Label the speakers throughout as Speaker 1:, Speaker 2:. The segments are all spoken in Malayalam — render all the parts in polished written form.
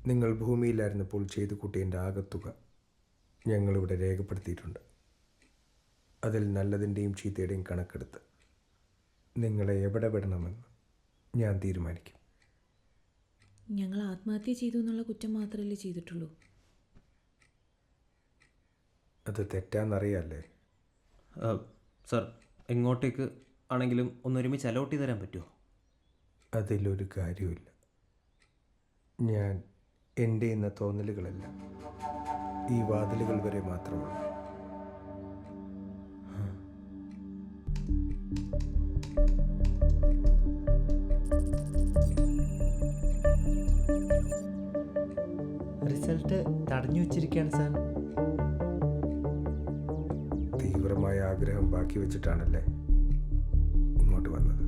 Speaker 1: നിങ്ങൾ ഭൂമിയിലായിരുന്നപ്പോൾ ചെയ്തു കൂട്ടിയതിൻ്റെ ആകത്തുക ഞങ്ങളിവിടെ രേഖപ്പെടുത്തിയിട്ടുണ്ട്. അതിൽ നല്ലതിൻ്റെയും ചീത്തയുടെയും കണക്കെടുത്ത് നിങ്ങളെ എവിടെ വിടണമെന്ന് ഞാൻ തീരുമാനിക്കും.
Speaker 2: ഞങ്ങൾ ആത്മഹത്യ ചെയ്തു എന്നുള്ള കുറ്റം മാത്രമല്ലേ ചെയ്തിട്ടുള്ളൂ.
Speaker 1: അത് തെറ്റാന്നറിയാല്ലേ?
Speaker 3: സർ, എങ്ങോട്ടേക്ക് ആണെങ്കിലും ഒന്നൊരുമിച്ച് അലോട്ട് ചെയ്ത് തരാൻ പറ്റുമോ?
Speaker 1: അതിലൊരു കാര്യമില്ല. ഞാൻ എൻ്റെ എന്ന തോന്നലുകളല്ല, ഈ വാതിലുകൾ വരെ മാത്രമുള്ളൂ.
Speaker 4: റിസൾട്ട് തടഞ്ഞു വച്ചിരിക്കുകയാണ് സാർ.
Speaker 1: തീവ്രമായ ആഗ്രഹം ബാക്കി വെച്ചിട്ടാണല്ലേ ഇങ്ങോട്ട് വന്നത്.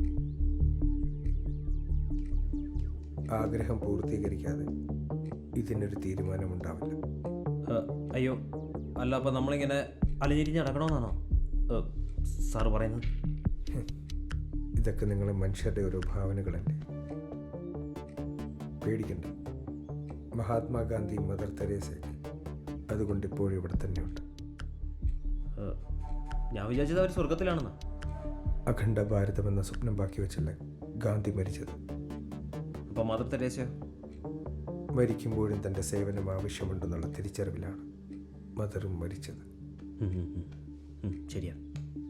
Speaker 1: ആഗ്രഹം പൂർത്തീകരിക്കാതെ ഇതിനൊരു തീരുമാനമുണ്ടാവില്ല.
Speaker 3: അയ്യോ, അല്ല, അപ്പോൾ നമ്മളിങ്ങനെ അലഞ്ഞിരിഞ്ഞ് നടക്കണമെന്നാണോ സാറ് പറയുന്നത്?
Speaker 1: ഇതൊക്കെ നിങ്ങളെ മനുഷ്യരുടെ ഓരോ ഭാവനകളല്ലേ. പേടിക്കണ്ട. മഹാത്മാഗാന്ധി, മദർ തെരേസ, അതുകൊണ്ട് ഇപ്പോഴും ഇവിടെ തന്നെയുണ്ട്.
Speaker 3: ഞാൻ വിചാരിച്ചത് അവർ സ്വർഗത്തിലാണെന്നാ.
Speaker 1: അഖണ്ഡ ഭാരതം എന്ന സ്വപ്നം ബാക്കി വെച്ചല്ലേ ഗാന്ധി മരിച്ചത്.
Speaker 3: അപ്പോൾ മദർ തെരേസയോ?
Speaker 1: മരിക്കുമ്പോഴും തൻ്റെ സേവനം ആവശ്യമുണ്ടെന്നുള്ള തിരിച്ചറിവിലാണ് മദറും മരിച്ചത്.
Speaker 3: ശരിയാ.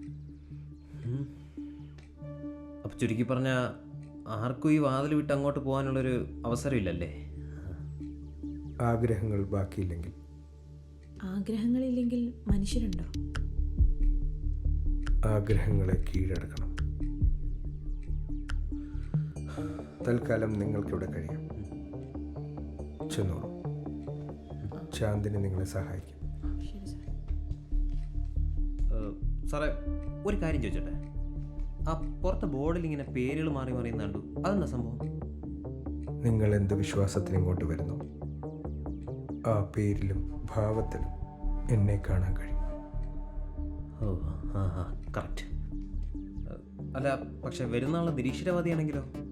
Speaker 3: അപ്പം ചുരുക്കി പറഞ്ഞാൽ ആർക്കും ഈ വാതിൽ വിട്ട് അങ്ങോട്ട് പോകാനുള്ളൊരു അവസരമില്ലല്ലേ?
Speaker 1: ആഗ്രഹങ്ങൾ ബാക്കിയില്ലെങ്കിൽ.
Speaker 2: ആഗ്രഹങ്ങളില്ലെങ്കിൽ മനുഷ്യരുണ്ടോ?
Speaker 1: ആഗ്രഹങ്ങളെ കീഴടക്കണം. തൽക്കാലം നിങ്ങൾക്കിവിടെ കഴിയാം. ചെന്നോളൂ. ചാന്ദിനി നിങ്ങളെ സഹായിക്കും.
Speaker 2: ശരി സാർ.
Speaker 3: സാറേ, ഒരു കാര്യം ചോദിച്ചോട്ടെ. ആ പുറത്തെ ബോർഡിൽ ഇങ്ങനെ പേരുകൾ മാറി മാറി കണ്ടു, അതെന്താ സംഭവം?
Speaker 1: നിങ്ങൾ എന്ത് വിശ്വാസത്തിന് ഇങ്ങോട്ട് വരുന്നു, ആ പേരിലും ഭാവത്തിലും എന്നെ കാണാൻ കഴിയും.
Speaker 3: ഓ, ആ കറക്റ്റ്. അല്ല, പക്ഷെ വരുന്ന ആൾ നിരീശ്വരവാദിയാണെങ്കിലോ?